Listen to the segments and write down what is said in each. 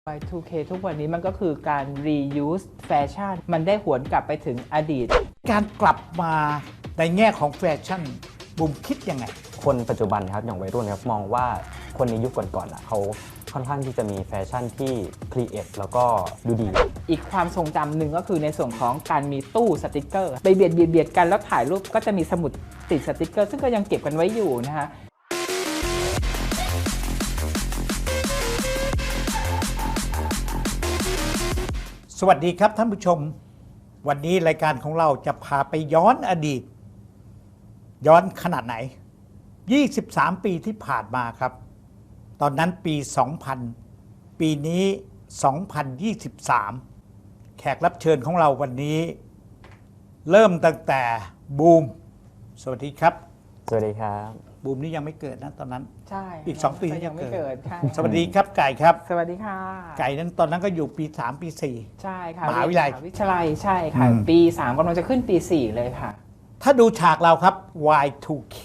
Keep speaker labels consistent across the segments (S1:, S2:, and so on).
S1: Y2K ทุกวันนี้มันก็คือการ reuse แฟชั่นมันได้หวนกลับไปถึงอดีต
S2: การกลับมาในแง่ของแฟชั่นบุมคิดยังไง
S3: คนปัจจุบันครับอย่างวัยรุ่นครับมองว่าคนในยุคก่อนๆเขาค่อนข้างที่จะมีแฟชั่นที่ครีเอทแล้วก็ดูดี
S1: อีกความทรงจำหนึ่งก็คือในส่วนของการมีตู้สติกเกอร์ไปเบียดกันแล้วถ่ายรูปก็จะมีสมุดติดสติกเกอร์ซึ่งก็ยังเก็บกันไว้อยู่นะคะ
S2: สวัสดีครับท่านผู้ชมวันนี้รายการของเราจะพาไปย้อนอดีตย้อนขนาดไหน23 ปีที่ผ่านมาครับตอนนั้นปี 2000 ปีนี้ 2023 แขกรับเชิญของเราวันนี้เริ่มตั้งแต่บูมสวัสดีครับ
S3: สวัสดีครับ
S2: บูมนี่ยังไม่เกิดนะตอนนั้น
S1: ใช่
S2: อีก2 ปี
S1: ยังไม่เกิด
S2: สวัสดีครับไก่ครับ
S1: สวัสดีค่ะ
S2: ไก่นั้นตอนนั้นก็อยู่ปี3 ปี 4
S1: ใช่ค่ะ
S2: มหาวิทยาลัย
S1: ใช่ค่ะปี 3กำลังจะขึ้นปี 4เลยค่ะ
S2: ถ้าดูฉากเราครับ Y2K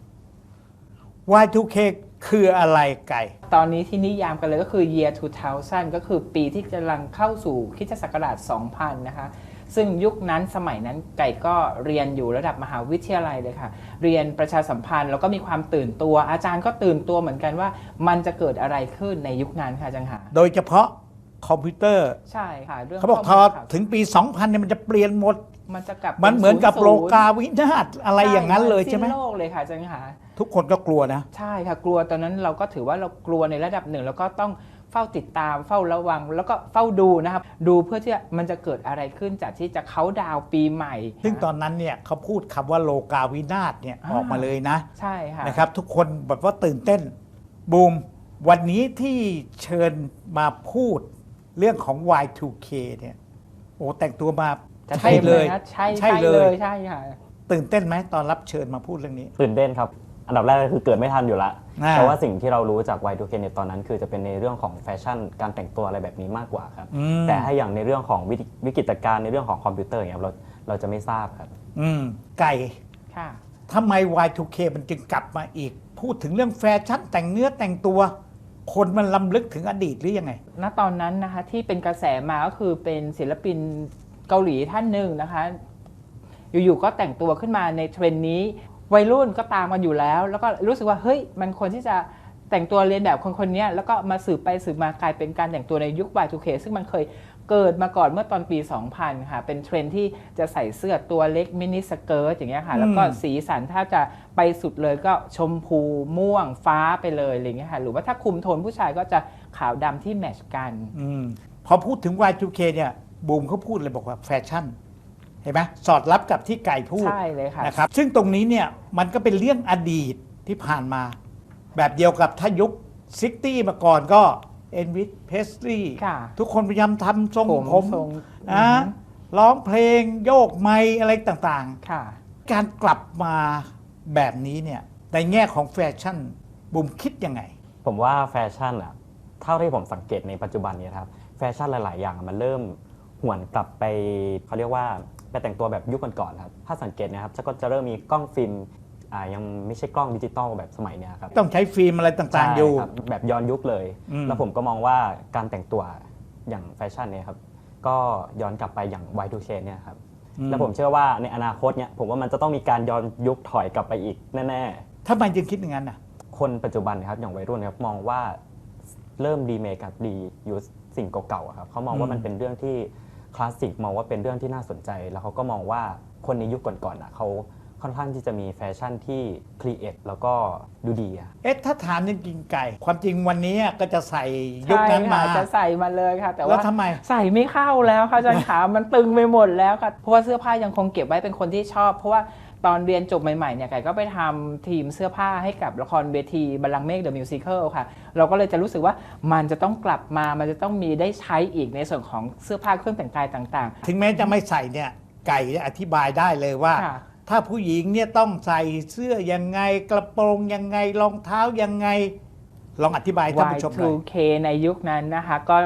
S2: Y2K คืออะไรไก่
S1: ตอนนี้ที่นิยามกันเลยก็คือ year 2000 ก็คือปีที่กำลังเข้าสู่คริสตศักราช 2000 นะคะซึ่งยุคนั้นสมัยนั้นไก่ก็เรียนอยู่ระดับมหาวิทยาลัยเลยค่ะเรียนประชาสัมพันธ์แล้วก็มีความตื่นตัวอาจารย์ก็ตื่นตัวเหมือนกันว่ามันจะเกิดอะไรขึ้นในยุคนั้นค่ะจังหา
S2: โดยเฉพาะคอมพิวเตอร์
S1: ใช่ค่ะเรื่อง
S2: เขาบอกพอถึงปี 2000 เนี่ยมันจะเปลี่ยนหมด
S1: มันจะกลับ
S2: มันเหมือนกับโลกาวินาศอะไรอย่างนั้นเลยใช่ไหม
S1: โลกเลยค่ะจังหา
S2: ทุกคนก็กลัวนะ
S1: ใช่ค่ะกลัวตอนนั้นเราก็ถือว่าเรากลัวในระดับหนึ่งแล้วก็ต้องเฝ้าติดตามเฝ้าระวังแล้วก็เฝ้าดูนะครับดูเพื่อที่มันจะเกิดอะไรขึ้นจากที่จะเค้าดาวปีใหม่
S2: ซึ่งตอนนั้นเนี่ยเขาพูดคำว่าโลกาวินาศเนี่ยออกมาเลยนะ
S1: ใช่ค่ะ
S2: นะครับทุกคนแบบว่าตื่นเต้นบูมวันนี้ที่เชิญมาพูดเรื่องของ Y2K เนี่ยโอ้แต่งตัวมา
S1: ใช่เลยใช่เลยใช่ค่ะ
S2: ตื่นเต้นไหมตอนรับเชิญมาพูดเรื่องนี้
S3: ตื่นเต้นครับอันดับแรกก็คือเกิดไม่ทันอยู่ละแต่ว่าสิ่งที่เรารู้จาก Y2K ในตอนนั้นคือจะเป็นในเรื่องของแฟชั่นการแต่งตัวอะไรแบบนี้มากกว่าครับแต่ถ้าอย่างในเรื่องของวิกฤตการณ์ในเรื่องของคอมพิวเตอร์อย่างเราจะไม่ทราบครับ
S2: ไก่
S1: ค่ะ
S2: ทำไม Y2K มันจึงกลับมาอีกพูดถึงเรื่องแฟชั่นแต่งเนื้อแต่งตัวคนมันล้ำลึกถึงอดีตหรือยังไง
S1: ณตอนนั้นนะคะที่เป็นกระแสมาก็คือเป็นศิลปินเกาหลีท่านหนึ่งนะคะอยู่ๆก็แต่งตัวขึ้นมาในเทรนด์นี้วัยรุ่นก็ตามกันอยู่แล้วก็รู้สึกว่าเฮ้ยมันควรที่จะแต่งตัวเรียนแบบคนนี้แล้วก็มาสืบไปสืบมากลายเป็นการแต่งตัวในยุค Y2K ซึ่งมันเคยเกิดมาก่อนเมื่อตอนปี 2000 ค่ะเป็นเทรนด์ที่จะใส่เสื้อตัวเล็กมินิสเกิร์ตอย่างเงี้ยค่ะแล้วก็สีสันถ้าจะไปสุดเลยก็ชมพูม่วงฟ้าไปเลยอะไรเงี้ยค่ะหรือว่าถ้าคุมโทนผู้ชายก็จะขาวดำที่แมทช์กัน
S2: พอพูดถึง Y2K เนี่ยบูมเขาพูดเลยบอกว่าแฟชั่นเห็นไหมสอดรับกับที่ไก่พูด
S1: ใช่เลยค่ะ
S2: นะครับซึ่งตรงนี้เนี่ยมันก็เป็นเรื่องอดีตที่ผ่านมาแบบเดียวกับถ้ายุค60มาก่อนก็เอ็นวิสเพสลีย์ทุกคนพยายามทำทรงผมนะร้องเพลงโยกไมค์อะไรต่างๆการกลับมาแบบนี้เนี่ยในแง่ของแฟชั่นบุมคิดยังไง
S3: ผมว่าแฟชั่นอะเท่าที่ผมสังเกตในปัจจุบันนี้ครับแฟชั่นหลายๆอย่างมันเริ่มหวนกลับไปเขาเรียกว่าไปแต่งตัวแบบยุคก่อนๆครับถ้าสังเกตนะครับก็จะเริ่มมีกล้องฟิล์มยังไม่ใช่กล้องดิจิตอลแบบสมัยนี้ครับ
S2: ต้องใช้ฟิล์มอะไรต่างๆอยู่
S3: แบบย้อนยุคเลยแล้วผมก็มองว่าการแต่งตัวอย่างแฟชั่นเนี่ยครับก็ย้อนกลับไปอย่าง Y2K เนี่ยครับแล้วผมเชื่อว่าในอนาคตเนี่ยผมว่ามันจะต้องมีการย้อนยุคถอยกลับไปอีกแน่
S2: ๆทำไมจึงคิดอย่างนั้นน่ะ
S3: คนปัจจุบันครับอย่างวัยรุ่นครับมองว่าเริ่มรีเมคกับรียูสสิ่งเก่าๆครับเขามองว่ามันเป็นเรื่องที่คลาสสิกมองว่าเป็นเรื่องที่น่าสนใจแล้วเขาก็มองว่าคนในยุคก่อนๆเขาค่อนข้างที่จะมีแฟชั่นที่ครีเอทแล้วก็ดูดี
S2: ถ้าถามจริงๆไก่ความจริงวันนี้ก็จะใส่ยุคนั้นมา
S1: จะใส่มาเลยค่ะแต่ว่า
S2: ทำไม
S1: ใส่ไม่เข้าแล้วค่ะอาจารย์ขามันตึงไปหมดแล้วค่ะเพราะว่าเสื้อผ้ายังคงเก็บไว้เป็นคนที่ชอบเพราะว่าตอนเรียนจบใหม่ๆเนี่ยไก่ก็ไปทำทีมเสื้อผ้าให้กับละครเวทีบัลลังก์เมฆเดอะมิวสิคลค่ะเราก็เลยจะรู้สึกว่ามันจะต้องกลับมามันจะต้องมีได้ใช้อีกในส่วนของเสื้อผ้าเครื่องแต่งกายต่าง
S2: ๆถึงแม้จะไม่ใส่เนี่ยไก่อธิบายได้เลยว่าถ้าผู้หญิงเนี่ยต้องใส่เสื้อยังไงกระโปรงยังไงรองเท้ายังไงลองอธิบายท่านผู้ชมหน่อย
S1: Y2K ในยุคนั้นนะคะก็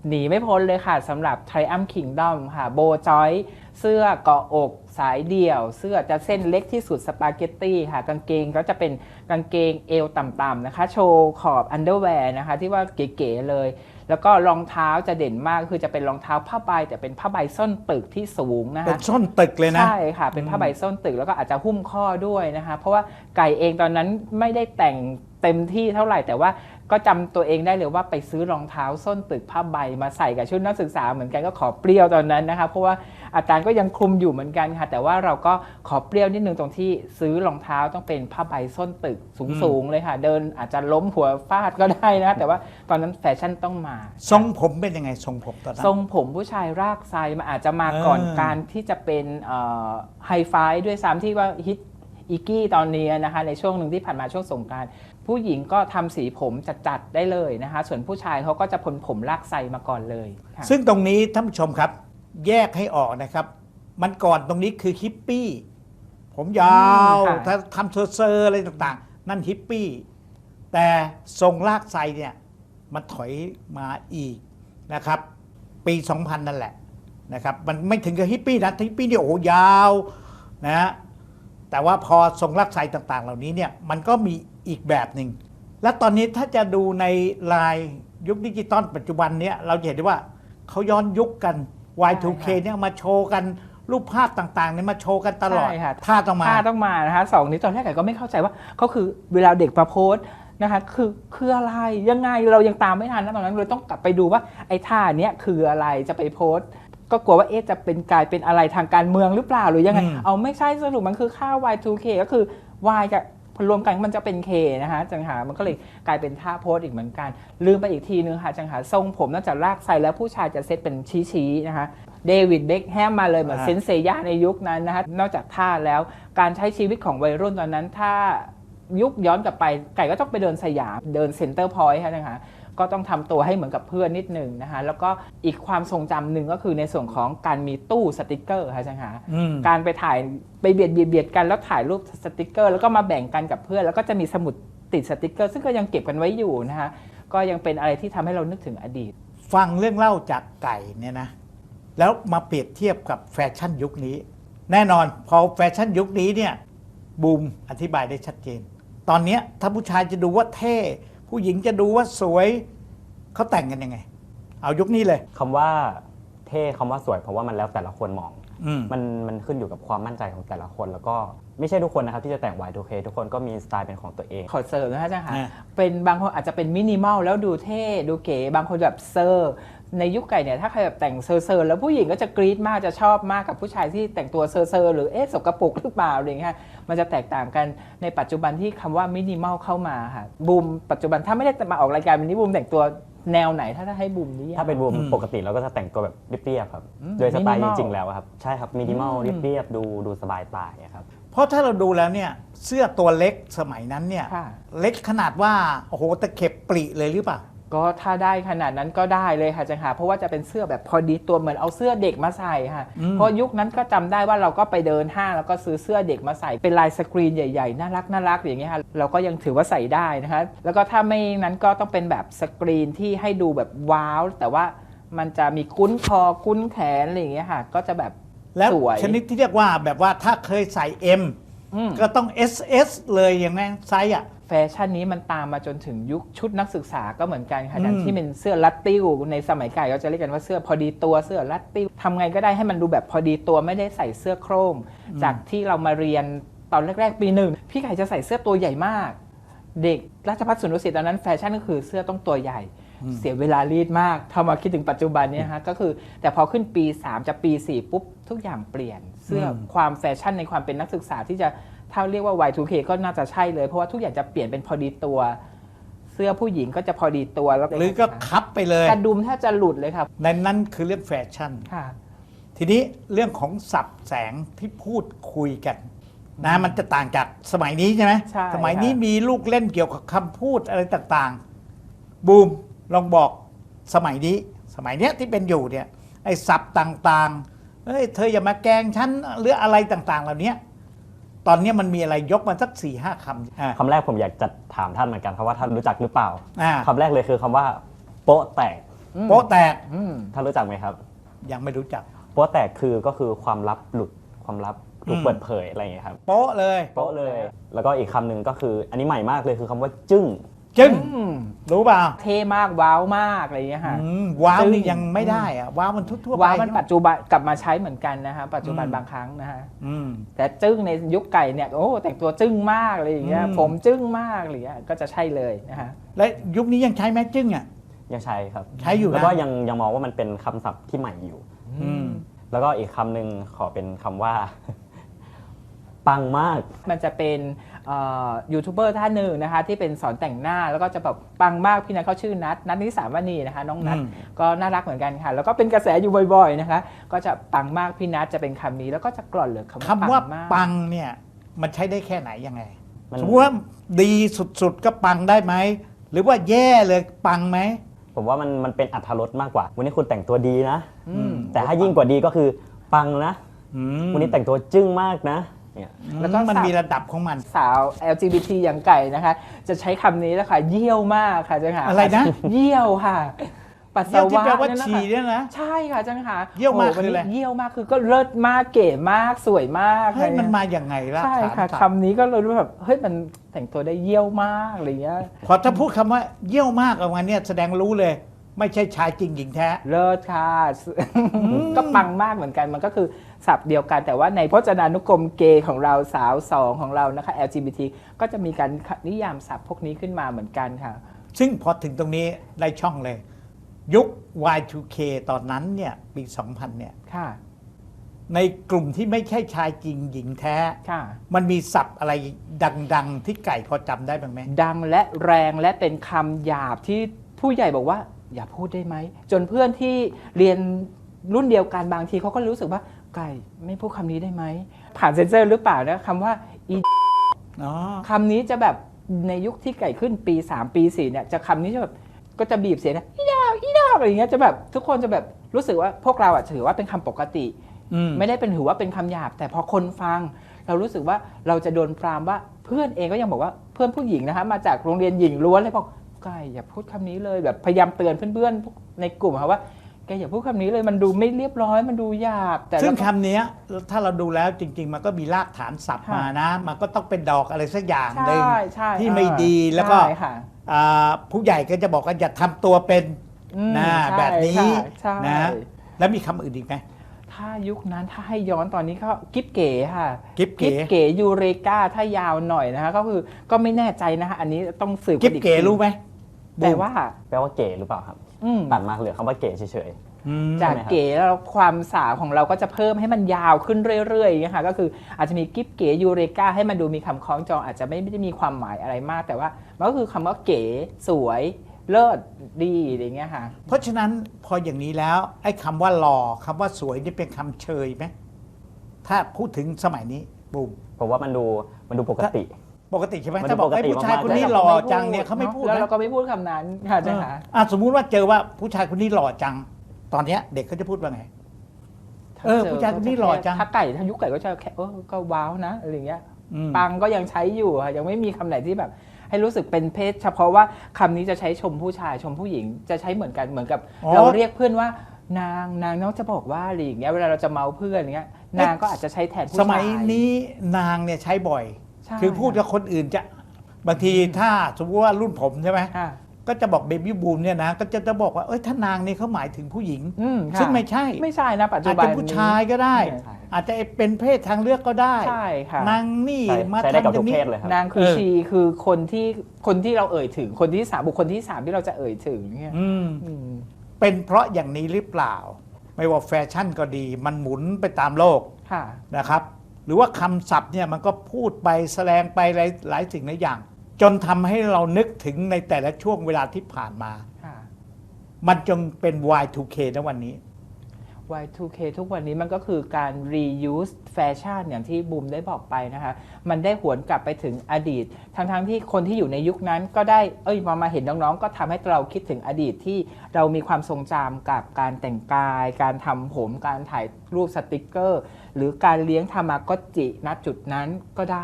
S1: หนีไม่พ้นเลยค่ะสำหรับ Triumph Kingdom ค่ะโบจอยเสื้อเกาะอกสายเดี่ยว เสื้อจะเส้นเล็กที่สุดสปาเกตตี้ค่ะกางเกงก็จะเป็นกางเกงเอวต่ำๆนะคะโชว์ขอบอันเดอร์แวร์นะคะที่ว่าเก๋ๆเลย แล้วก็รองเท้าจะเด่นมากคือจะเป็นรองเท้าผ้าใบแต่เป็นผ้าใบส้นตึกที่สูงนะคะ
S2: เป็นส้นตึกเลยนะ
S1: ใช่ค่ะเป็นผ้าใบส้นตึกแล้วก็อาจจะหุ้มข้อด้วยนะคะเพราะว่าไก่เองตอนนั้นไม่ได้แต่งเต็มที่เท่าไหร่แต่ว่าก็จำตัวเองได้เลยว่าไปซื้อรองเท้าส้นตึกผ้าใบมาใส่กับชุดนักศึกษาเหมือนกันก็ขอเปรี้ยวตอนนั้นนะคะเพราะว่าอาจารย์ก็ยังคลุมอยู่เหมือนกันค่ะแต่ว่าเราก็ขอเปรี้ยวนิดนึงตรงที่ซื้อรองเท้าต้องเป็นผ้าใบส้นตึกสูงๆเลยค่ะเดินอาจจะล้มหัวฟาดก็ได้นะแต่ว่าตอนนั้นแฟชั่นต้องมา
S2: ทรงผมเป็นยังไงทรงผมตอนนั้น
S1: ทรงผมผู้ชายรากไซมันอาจจะมาก่อนการที่จะเป็นไฮไฟด้วยซ้ำที่ว่าฮิตอีกี้ตอนนี้นะคะในช่วงหนึ่งที่ผ่านมาช่วงสงกรานต์ผู้หญิงก็ทำสีผมจัดๆได้เลยนะคะส่วนผู้ชายเขาก็จะพ้นผมรากไซมาก่อนเลยค่ะ
S2: ซึ่งตรงนี้ท่านผู้ชมครับ แยกให้ออกนะครับ มันก่อนตรงนี้คือฮิปปี้ผมยาวถ้าทำเซอร์อะไรต่างๆ นั่นฮิปปี้แต่ทรงลากไซเนี่ยมันถอยมาอีกนะครับ ปี 2000 นั่นแหละนะครับมันไม่ถึงกับฮิปปี้นะฮิปปี้เนี่ยโอ้ยาวนะฮะแต่ว่าพอทรงลากไซต่างๆ เหล่านี้เนี่ยมันก็มีอีกแบบหนึ่งและตอนนี้ถ้าจะดูในลายยุคดิจิตอลปัจจุบันเนี้ยเราจะเห็นได้ว่าเขาย้อนยุคกัน Y2K เนี่ยมาโชว์กันรูปภาพต่างๆเนี่ยมาโชว์กันตลอด
S1: ใช่ค่ะ
S2: ท่าต้องมา
S1: ท่าต้องมานะคะสองนี้ตอนแรกก็ไม่เข้าใจว่าเขาคือเวลาเด็กมาโพสต์นะคะคืออะไรยังไงเรายังตามไม่ทันนะตอนนั้นเลยต้องกลับไปดูว่าไอ้ท่าเนี้ยคืออะไรจะไปโพสต์ก็กลัวว่าจะเป็นกลายเป็นอะไรทางการเมืองหรือเปล่าหรือยังไงเอาไม่ใช่สรุปมันคือค่า Y2K ก็คือ Y กับรวมกันมันจะเป็น K นะคะจังหามันก็เลยกลายเป็นท่าโพสต์อีกเหมือนกันลืมไปอีกทีนึงค่ะจังหาทรงผมนอกจากลากไซแล้วผู้ชายจะเซตเป็นชี้ๆนะคะเดวิดเบ็คแฮมมาเลยเหมือนเซนเซย่าในยุคนั้นนะคะนอกจากท่าแล้วการใช้ชีวิตของวัยรุ่นตอนนั้นถ้ายุคย้อนกลับไปไก่ก็ต้องไปเดินสยามเดินเซ็นเตอร์พอยต์ค่ะนะคะก็ต้องทำตัวให้เหมือนกับเพื่อนนิดหนึ่งนะคะแล้วก็อีกความทรงจำหนึ่งก็คือในส่วนของการมีตู้สติกเกอร์ค่ะจังหาการไปถ่ายไปเบียดกันแล้วถ่ายรูปสติกเกอร์แล้วก็มาแบ่งกันกับเพื่อนแล้วก็จะมีสมุดติดสติกเกอร์ซึ่งก็ยังเก็บกันไว้อยู่นะคะก็ยังเป็นอะไรที่ทำให้เรานึกถึงอดีต
S2: ฟังเรื่องเล่าจากไก่เนี่ยนะแล้วมาเปรียบเทียบกับแฟชั่นยุคนี้ แน่นอนพอแฟชั่นยุคนี้เนี่ยบูมอธิบายได้ชัดเจนตอนนี้ถ้าผู้ชายจะดูว่าเท่ผู้หญิงจะดูว่าสวยเขาแต่งกันยังไงเอายุคนี้เลย
S3: คำว่าเท่คำว่าสวยเพราะว่ามันแล้วแต่ละคนมองมันขึ้นอยู่กับความมั่นใจของแต่ละคนแล้วก็ไม่ใช่ทุกคนนะครับที่จะแต่ง Y2K ทุกคนก็มีสไตล์เป็นของตัวเอง
S1: ขอเสริมนะคะอาจารย์ค่ะเป็นบางคนอาจจะเป็นมินิมอลแล้วดูเท่ดูเก๋บางคนแบบเซอร์ในยุคไก่เนี่ยถ้าใครแบบแต่งเซอร์แล้วผู้หญิงก็จะกรี๊ดมากจะชอบมากกับผู้ชายที่แต่งตัวเซอร์หรือสกปรกหรือเปล่าอะไรอย่างเงี้ยมันจะแตกต่างกันในปัจจุบันที่คำว่ามินิมอลเข้ามาค่ะบูมปัจจุบันถ้าไม่ได้มาออกรายการวันนี้บูมแต่งตัวแนวไหนถ้าให้บูมนี่
S3: ถ้าเป็นบูมปกติเราก็จะแต่งตัวแบบเรียบๆครับโดยสไตล์จริงๆแล้วครับใช่ครับมินิมอลเรียบๆดูสบายตาครับ
S2: เพราะถ้าเราดูแล้วเนี่ยเสื้อตัวเล็กสมัยนั้นเนี่ยเล็กขนาดว่าโอ้โหตะเข็บปริเลยหรือเปล่า
S1: ก็ถ้าได้ขนาดนั้นก็ได้เลยค่ะจังหาเพราะว่าจะเป็นเสื้อแบบพอดีตัวเหมือนเอาเสื้อเด็กมาใส่ค่ะเพราะยุคนั้นก็จำได้ว่าเราก็ไปเดินห้างแล้วก็ซื้อเสื้อเด็กมาใส่เป็นลายสกรีนใหญ่ๆน่ารักอย่างเงี้ยค่ะเราก็ยังถือว่าใส่ได้นะคะแล้วก็ถ้าไม่นั้นก็ต้องเป็นแบบสกรีนที่ให้ดูแบบว้าวแต่ว่ามันจะมีกุ้นคอกุ้นแขนอะไรอย่างเงี้ยค่ะก็จะแบบ
S2: แล้ว
S1: สวย
S2: ชนิดที่เรียกว่าแบบว่าถ้าเคยใส่ M ก็ต้อง SS เลยอย่างนั้นไซส์อะ
S1: แฟชั่นนี้มันตามมาจนถึงยุคชุดนักศึกษาก็เหมือนกันค่ะอย่างที่เป็นเสื้อรัดติ้วในสมัยก่อนเขาจะเรียกกันว่าเสื้อพอดีตัวเสื้อรัดติ้วทำไงก็ได้ให้มันดูแบบพอดีตัวไม่ได้ใส่เสื้อโคร่งจากที่เรามาเรียนตอนแรกๆปีหนึ่งพี่ไก่จะใส่เสื้อตัวใหญ่มากเด็กราชภัฏสุนทรศิษย์ตอนนั้นแฟชั่นก็คือเสื้อต้องตัวใหญ่เสียเวลารีดมากถ้ามาคิดถึงปัจจุบันนี้ฮะก็คือแต่พอขึ้นปี3จะปี4ปุ๊บทุกอย่างเปลี่ยนเสื้อความแฟชั่นในความเป็นนักศึกษาที่จะถ้าเรียกว่า Y2K ก็น่าจะใช่เลยเพราะว่าทุกอย่างจะเปลี่ยนเป็นพอดีตัวเสื้อผู้หญิงก็จะพอดีตัวแล้ว
S2: หรือก็คับไปเลย
S1: กระดุมแทบจะหลุดเลยครับ
S2: ในนั้นคือเรื่องแฟชั่นทีนี้เรื่องของศัพท์แสงที่พูดคุยกันนะมันจะต่างจากสมัยนี้ใช่ไหมสมัยนี้มีลูกเล่นเกี่ยวกับคำพูดอะไรต่างๆบูมลองบอกสมัยนี้ที่เป็นอยู่เนี่ยไอ้ศัพท์ต่างๆเฮ้ยเธออย่ามาแกล้งฉันหรืออะไรต่างๆเหล่านี้ตอนนี้มันมีอะไรยกมาสัก 4-5 คำ
S3: คำแรกผมอยากจะถามท่านเหมือนกันครับว่าท่านรู้จักหรือเปล่าคำแรกเลยคือคำว่าโป๊ะแตก
S2: โป๊ะแตก
S3: ถ้ารู้จักไหมครับ
S2: ยังไม่รู้จัก
S3: โป๊ะแตกก็คือความลับหลุดความลับถูกเปิดเผยอะไรอย่างเงี้ยครับ
S2: โป๊ะเลย
S3: โป๊ะเลย แล้วก็อีกคำหนึ่งก็คืออันนี้ใหม่มากเลยคือคำว่าจึ้ง
S2: จึ้งรู้เปล่า
S1: เท่มากว้าวมากอะไรอย่างเงี้ยค่ะ
S2: ว้าว
S1: จึ้ง
S2: นี่ยังไม่ได้อะว้าวมันทั่วๆไป
S1: ว้าวมันปัจจุบันกลับมาใช้เหมือนกันนะคะปัจจุบันบางครั้งนะฮะ
S2: อืม
S1: แต่จึ้งในยุคไก่เนี่ยโอ้แต่งตัวจึ้งมากอะไรอย่างเงี้ย
S2: อืม
S1: ผมจึ้งมากอะไรอย่างเงี้ยก็จะใช่เลยนะฮะ
S2: และยุคนี้ยังใช้ไหมจึ้งอ่ะ
S3: ยังใช้ครับ
S2: ใช้อยู่นะ
S3: แล้วก็ยังมองว่ามันเป็นคำศัพท์ที่ใหม่อยู่
S2: อืม
S3: แล้วก็อีกคำหนึ่งขอเป็นคำว่า ปังมาก
S1: มันจะเป็นยูทูบเบอร์ท่านหนึ่งนะคะที่เป็นสอนแต่งหน้าแล้วก็จะแบบปังมากพี่นัทเขาชื่อนัทนิสามณีนะคะน้องนัทก็น่ารักเหมือนกันค่ะแล้วก็เป็นกระแสอยู่บ่อยๆนะคะก็จะปังมากพี่นัทจะเป็นคำนี้แล้วก็จะกร่อนเหลือ
S2: คำว่า
S1: มาก
S2: ปังเนี่ยมันใช้ได้แค่ไหนยังไง
S3: มัน
S2: สมมติว่าดีสุดๆก็ปังได้ไหมหรือว่าแย่เลยปังไหม
S3: ผมว่ามันเป็นอรรถรสมากกว่า วันนี้คุณแต่งตัวดีนะ
S1: อืม
S3: แต่ถ้ายิ่งกว่าดีก็คือปังนะ
S2: อืม
S3: วันนี้แต่งตัวจึ้งมากนะเนี่ย
S1: แล้วก็
S2: มันมีระดับของมัน
S1: สาว LGBT อย่างไก่นะคะ จะใช้คำนี้แล้วค่ะเยี่ยวมากค่ะจังหา
S2: อะไรนะ
S1: เยี่ยวค่ะ ปัส
S2: เยี่ย
S1: สาว
S2: ที่
S1: วะ
S2: แปลว่า
S1: นั่นนะ
S2: ฉี่
S1: คะ
S2: เนี่ยนะ
S1: ใช่ค่ะจังหา
S2: เยี่ยวมาก
S1: โอ้
S2: คืออะไร
S1: วันนี้เยี่ยวมากคือก็เลิศมากเก๋มากสวยมาก
S2: เฮ้ย
S1: อะไร
S2: มัน
S1: เงี้ย
S2: มาอย่างไงล่ะ
S1: ใช่ค่ะ
S2: ถาม
S1: คำนี้ก็เลยรู้แบบเฮ้ยมันแต่งตัวได้เยี่ยวมากอะไรเงี้ย
S2: พอถ้าพูดคำว่าเยี่ยวมากออกมาเนี่ยแสดงรู้เลย ไม่ใช่ชายจริงหญิงแท้
S1: เลิศค่ะ ก็ปังมากเหมือนกันมันก็คือศัพท์เดียวกัน แต่ว่าในพจนานุกรมเกย์ของเราสาวสองของเรานะคะ LGBT ก็จะมีการนิยามศัพท์พวกนี้ขึ้นมาเหมือนกันค่ะ
S2: ซึ่งพอถึงตรงนี้ได้ช่องเลย ยุค Y2K ตอนนั้นเนี่ยปี 2000 เนี่ย
S1: ค่ะ
S2: ในกลุ่มที่ไม่ใช่ชายจริงหญิงแท้
S1: ค่ะ
S2: มันมีศัพท์อะไรดังๆ ที่ไก่พอจำได้บ้างไหม
S1: ดังและแรงและเป็นคำหยาบที่ผู้ใหญ่บอกว่าอย่าพูดได้ไหม จนเพื่อนที่เรียนรุ่นเดียวกันบางทีเขาก็รู้สึกว่าไก่ไม่พูดคำนี้ได้ไหม ผ่านเซ็นเซอร์หรือเปล่านะคำว่าอี
S2: อ๋อ
S1: คำนี้จะแบบในยุคที่ไก่ขึ้นปี 3 ปี 4เนี่ยจะคำนี้จะแบบก็จะบีบเสียงนะอีดาวอีดาวอะไรอย่างเงี้ยจะแบบทุกคนจะแบบรู้สึกว่าพวกเราอะถือว่าเป็นคำปกติ ไม่ได้เป็นถือว่าเป็นคำหยาบ แต่พอคนฟัง เรารู้สึกว่าเราจะโดนปรามว่าเพื่อนเองก็ยังบอกว่าเพื่อนผู้หญิงนะคะมาจากโรงเรียนหญิงล้วนเลยบอกไก่อย่าพูดคำนี้เลยแบบพยายามเตือนเพื่อนๆในกลุ่มค่ะว่าแกอย่าพูดคำนี้เลยมันดูไม่เรียบร้อยมันดูหยาบแต่
S2: ซึ่ง
S1: เราก็
S2: คำเนี้ยถ้าเราดูแล้วจริง ๆ มันก็มีรากฐานศัพท์
S1: ค่ะ
S2: มานะ มันก็ต้องเป็นดอกอะไรสักอย่างหนึ่ง
S1: ใช่
S2: ที่ไม่ดีแล้วก็
S1: ใช่ค่ะ
S2: ผู้ใหญ่ก็จะบอกว่าอย่าทำตัวเป็น นะ
S1: ใช่
S2: แบบนี้
S1: ใช่
S2: นะแล้วมีคำอื่นอีกไหม
S1: ถ้ายุคนั้นถ้าให้ย้อนตอนนี้ก็กิ๊บเก๋ค่ะ
S2: กิ๊บเก๋
S1: เก๋ยูเรกาถ้ายาวหน่อยนะคะก็คือก็ไม่แน่ใจนะคะอันนี้ต้องสืบ
S2: กิ๊บ
S1: อี
S2: เก๋
S1: ที
S2: รู้ไหม
S1: แต่ว่า
S3: แปลว่าเก๋หรือเปล่าครับ
S1: อืม
S3: ตัดมาเหลือคำว่าเก๋เฉย
S2: อืม
S1: จาก
S3: ใช่ไหมครับ
S1: เก๋แล้วความสาวของเราก็จะเพิ่มให้มันยาวขึ้นเรื่อยๆอย่างเงี้ยค่ะก็คืออาจจะมีกิ๊บเก๋ยูเรกาให้มันดูมีคำคล้องจองอาจจะไม่ได้มีความหมายอะไรมาก แต่ว่ามันก็คือคำว่าเก๋สวยเลิศดีอะไรเงี้ยค่ะ
S2: เพราะฉะนั้นพออย่างนี้แล้วไอ้คำว่าหล่อคำว่าสวยนี่เป็นคำเชยไหมถ้าพูดถึงสมัยนี้บูม
S3: ๆผมว่ามันดูปกติ
S2: ปกติใช่ไหม
S3: มัน
S2: ถ้าบอก
S3: ปกติ
S2: ไอ้ผู้ชาย
S3: มากๆ
S2: คนนี้
S3: แต่
S2: หล่อจังเนี่ยเขาไม่พูด
S1: แล้ว
S2: นะ
S1: เราก็ไม่พูดคำนั้นค่ะใช่ค่ะ
S2: สมมุติว่าเจอว่าผู้ชายคนนี้หล่อจัง ตอนเนี้ยเด็กเขาจะพูดว่าไง ผู้ชายคนนี้หล่อจัง
S1: ถ้าไก่ถ้ายุคไก่ก็จะแค่ก็ว้าวนะอะไรเงี้ย
S2: อืม
S1: ปังก็ยังใช้อยู่ค่ะยังไม่มีคำไหนที่แบบ ให้รู้สึกเป็นเพศเฉพาะว่าคำนี้จะใช้ชมผู้ชายชมผู้หญิงจะใช้เหมือนกันเหมือนกับ เราเรียกเพื่อนว่านางน้องจะบอกว่าอะไรอย่างเงี้ยเวลาเราจะเมาเพื่อนอย่างเงี้ยนางก็อาจจะใช้แทนผู้ชาย
S2: สมัยนี้นางเนี่ยใช้บ่อย
S1: ใช่
S2: คือพูดกับคนอื่นจะบางทีถ้าสมมติว่ารุ่นผมใช่ไหม
S1: ค่ะ
S2: ก็จะบอกเบบี้บูมเนี่ยนะก็จะบอกว่าถ้านางนี่เขาหมายถึงผู้หญิง
S1: ค่ะ
S2: ซึ่งไม่ใช่
S1: ไม่ใช่นะปัจจุ
S2: อาจ
S1: บัน
S2: จะผู้ชายก็ได้
S3: ใช่
S2: อาจจะเป็นเพศทางเลือกก็ได้
S1: ใช่ค่ะ
S2: นางนี่
S3: ใช้
S2: มา
S3: ใช้ได้กับ
S2: ทำอ
S3: ทุ
S2: ย่าก ง
S3: เพ
S2: นี้
S3: ศเลยครับ
S1: นางคือ
S2: เออ
S1: ชีคือคนที่เราเอ่ยถึงคนที่สามบุคคลที่สามที่เราจะเอ่ยถึงเนี่ย
S2: อืม
S1: อืม
S2: เป็นเพราะอย่างนี้หรือเปล่า ไม่ว่าแฟชั่นก็ดี มันหมุนไปตามโลก
S1: ค่ะ
S2: นะครับ หรือว่าคำศัพท์เนี่ยมันก็พูดไปแสดงไปหลายสิ่งหลายอย่าง จนทำให้เรานึกถึงในแต่ละช่วงเวลาที่ผ่านมา
S1: ค่ะ
S2: มันจงเป็น Y2K นะวันนี้
S1: Y2K ทุกวันนี้มันก็คือการ reuse แฟชั่นอย่างที่บูมได้บอกไปนะคะ มันได้หวนกลับไปถึงอดีต ทั้งที่คนที่อยู่ในยุคนั้นก็ได้มาเห็นน้องๆ ก็ทำให้เราคิดถึงอดีตที่เรามีความทรงจำกับการแต่งกาย การทำผม การถ่ายรูปสติกเกอร์ หรือการเลี้ยงทามากอจิณจุดนั้นก็ได้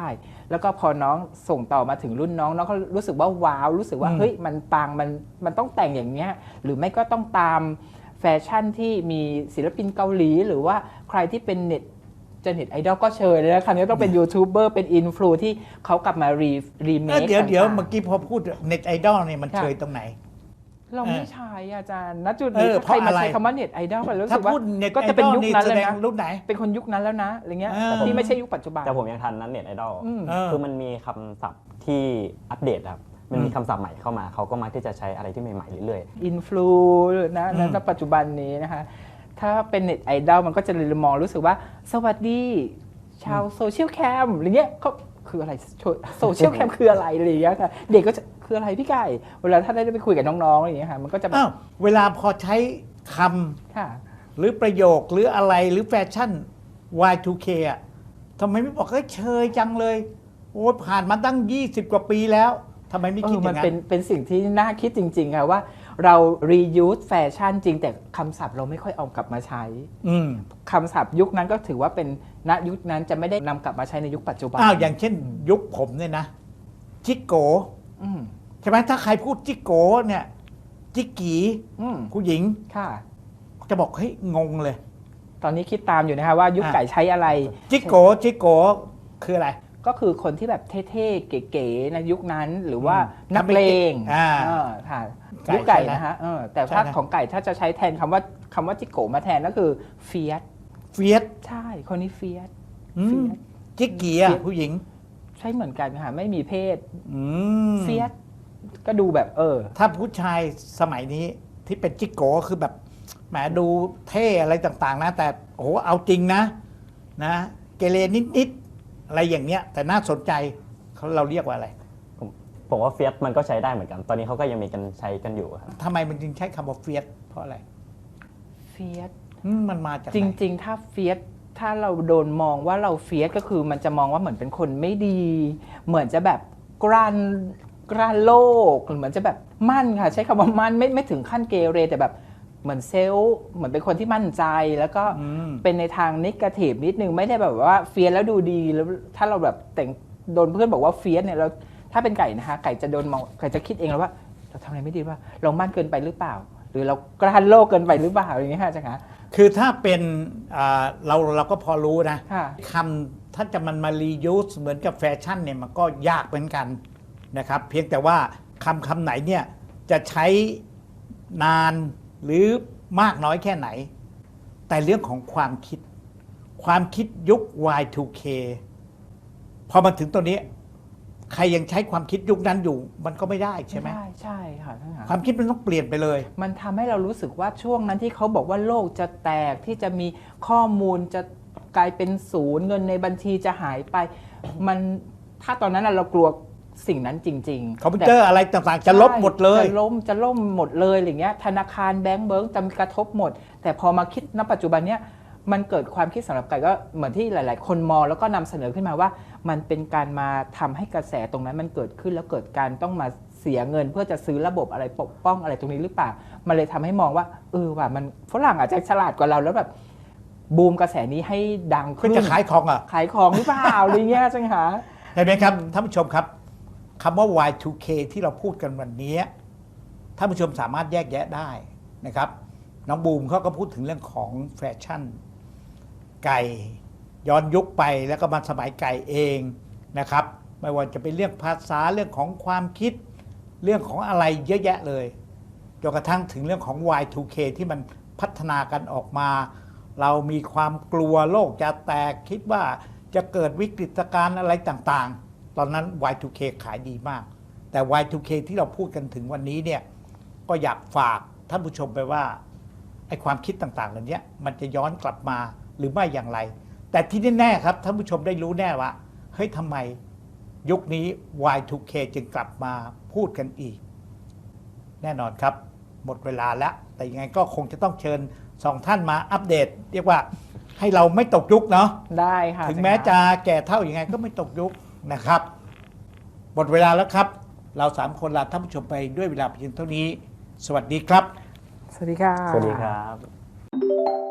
S1: แล้วก็พอน้องส่งต่อมาถึงรุ่นน้องน้องก็รู้สึกว่าว้าวรู้สึกว่าเฮ้ยมันปังมันต้องแต่งอย่างเนี้ยหรือไม่ก็ต้องตามแฟชั่นที่มีศิลปินเกาหลีหรือว่าใครที่เป็นเน็ตไอดอลก็เชิญเลยนะคราวนี้ต้องเป็นยูทูบเบอร์เป็นอินฟลูที่เขากลับมารีเมค
S2: เดี๋ยวเมื่อกี้พอพูดเน็ตไอดอลเนี่ยมันเชยตรงไหน
S1: เราไม่ใช่อาจารย์ณจุดนี้ถ้าใครมาใช้คำว่าเน็ตไอดอลก็รู้สึกว่าก็จะเป็นยุคนั้นเลยนะ
S2: รุ่นไหน
S1: เป็นคนยุคนั้นแล้วนะอะไรเงี้ยที่ไม่ใช่ยุคปัจจุบัน
S3: แต่ผมยังทันนั้นเน็ตไอดอลคือมันมีคำศัพท์ที่อัปเดตครับมันมีคำศัพท์ใหม่เข้ามาเขาก็มักที่จะใช้อะไรที่ใหม่ๆเรื่อย
S1: ๆอินฟลูนะในปัจจุบันนี้นะคะถ้าเป็นเน็ตไอดอลมันก็จะเลยมองรู้สึกว่าสวัสดีชาวโซเชียลแคมอะไรเงี้ยเขาคืออะไรโซเชียลแคมคืออะไรอะไรอย่างเงี้ยค่ะเด็กก็จะคืออะไรพี่ไก่เวลาถ้าได้ไปคุยกับน้องๆอะไรอย่างเงี้ยค่ะมันก็จะแบบ
S2: เวลาพอใช้คำหรือประโยคหรืออะไรหรือแฟชั่น Y2K อ่ะทำไมไม่บอกเฮ้ยเชยจังเลยโอ้ผ่านมาตั้ง20 กว่าปีแล้วทำไมไม่คิดอย่างนั้น
S1: มันเป็นสิ่งที่น่าคิดจริงๆค่ะว่าเรา reuse แฟชั่นจริงแต่คำศัพท์เราไม่ค่อยเอากลับมาใช้คำศัพท์ยุคนั้นก็ถือว่าเป็นณยุคนั้นจะไม่ได้นำกลับมาใช้ในยุคปัจจุบัน
S2: อย่างเช่นยุคผมเนี่ยนะจิโกใช่ไหมถ้าใครพูดจิโกเนี่ยจิกกีผู้หญิง
S1: ค่ะ
S2: จะบอกเฮ้ยงงเลย
S1: ตอนนี้คิดตามอยู่นะคะว่ายุคไก่ใช้อะไร
S2: จิโกคืออะไร
S1: ก็คือคนที่แบบเท่ๆเก๋ๆในยุคนั้นหรือว่านักเลงค่ะยุคไก่นะฮะแต่ถ้าของไก่ถ้าจะใช้แทนคำว่าจิโกมาแทนก็คือเฟียสใช่คนนี้เฟียส
S2: จิกกี้ผู้หญิง
S1: ใช่เหมือนกันค่ะไม่มีเพศเฟียสก็ดูแบบ
S2: ถ้าผู้ชายสมัยนี้ที่เป็นจิโกคือแบบแหมดูเท่อะไรต่างๆนะแต่โอ้โหเอาจริงนะเกเรนิดๆอะไรอย่างเงี้ยแต่น่าสนใจเราเรียกว่าอะไร
S3: ผมว่าเฟียสมันก็ใช้ได้เหมือนกันตอนนี้เขาก็ยังมีกันใช้กันอยู่ครับ
S2: ทำไมมันจึงใช้คำว่าเฟียสเพราะอะไร
S1: เฟียส
S2: มันมาจาก
S1: จริงๆถ้าเฟียสถ้าเราโดนมองว่าเราเฟียสก็คือมันจะมองว่าเหมือนเป็นคนไม่ดีเหมือนจะแบบกรานโลกเหมือนจะแบบมั่นค่ะใช้คำว่ามั่นไม่ถึงขั้นเกเรแต่แบบเหมือนเซลล์เหมือนเป็นคนที่มั่นใจแล้วก็เป็นในทางนิเกทีฟนิดนึงไม่ได้แบบว่าเฟียสแล้วดูดีแล้วถ้าเราแบบแต่งโดนเพื่อนบอกว่าเฟียสเนี่ยเราถ้าเป็นไก่นะคะไก่จะโดนมองไก่จะคิดเองแล้วว่าเราทำอะไรไม่ดีว่าเรามั่นเกินไปหรือเปล่าหรือเรากระหันโลกเกินไปหรือเปล่าอย่างเงี้ยค่ะจังหะ
S2: คือถ้าเป็นเราก็พอรู้นะคำถ้าจะมันมารียูสเหมือนกับแฟชั่นเนี่ยมันก็ยากเหมือนกันนะครับเพียงแต่ว่าคำไหนเนี่ยจะใช้นานหรือมากน้อยแค่ไหนแต่เรื่องของความคิดยุค Y2K พอมาถึงตัวนี้ใครยังใช้ความคิดยุคนั้นอยู่มันก็ไม่ได้ใช่ไหม
S1: ใช่ค่ะ
S2: ความคิดมันต้องเปลี่ยนไปเลย
S1: มันทำให้เรารู้สึกว่าช่วงนั้นที่เขาบอกว่าโลกจะแตกที่จะมีข้อมูลจะกลายเป็นศูนย์เงินในบัญชีจะหายไปมันถ้าตอนนั้นเรากลัวสิ่งนั้นจริง
S2: ๆคอมพิวเตอร์อะไรต่างๆจะลบหมดเลย
S1: จะล่มหมดเลยอย่างเงี้ยธนาคารแบงก์เบิร์กจะกระทบหมดแต่พอมาคิดณปัจจุบันเนี้ยมันเกิดความคิดสำหรับไก่ก็เหมือนที่หลายๆคนมองแล้วก็นำเสนอขึ้นมาว่ามันเป็นการมาทำให้กระแสตรงนั้นมันเกิดขึ้นแล้วเกิดการต้องมาเสียเงินเพื่อจะซื้อระบบอะไรปกป้องอะไรตรงนี้หรือเปล่ามันเลยทำให้มองว่าว่ามันฝรั่งอาจจะฉลาดกว่าเราแล้วแบบบูมกระแสนี้ให้ดังขึ้น
S2: จะขายของ
S1: ขายของหรือเปล่าอะไรเงี้ยจังหะ
S2: เห็นไหมครับท่านผู้ชมครับคำว่า Y2K ที่เราพูดกันวันนี้ท่านผู้ชมสามารถแยกแยะได้นะครับน้องบูมเขาก็พูดถึงเรื่องของแฟชั่นไก่ย้อนยุคไปแล้วก็มาสมัยไก่เองนะครับไม่ว่าจะเป็นเรื่องภาษาเรื่องของความคิดเรื่องของอะไรเยอะแยะเลยจนกระทั่งถึงเรื่องของ Y2K ที่มันพัฒนากันออกมาเรามีความกลัวโลกจะแตกคิดว่าจะเกิดวิกฤตการณ์อะไรต่างๆตอนนั้น Y2K ขายดีมากแต่ Y2K ที่เราพูดกันถึงวันนี้เนี่ยก็อยากฝากท่านผู้ชมไปว่าไอ้ความคิดต่างๆเหล่านี้มันจะย้อนกลับมาหรือไม่อย่างไรแต่ที่แน่ๆครับท่านผู้ชมได้รู้แน่ว่าเฮ้ยทำไมยุคนี้ Y2K จึงกลับมาพูดกันอีกแน่นอนครับหมดเวลาแล้วแต่ยังไงก็คงจะต้องเชิญ2ท่านมาอัปเดตเรียกว่าให้เราไม่ตกยุคเนาะ
S1: ได้ค่ะ
S2: ถึงแม้จะแก่เท่ายังไงก็ไม่ตกยุคนะครับหมดเวลาแล้วครับเรา3คนลาท่านผู้ชมไปด้วยเวลาเพียงเท่านี้สวัสดีครับ
S1: สวัสดีค่ะ
S3: สวัสดีครับ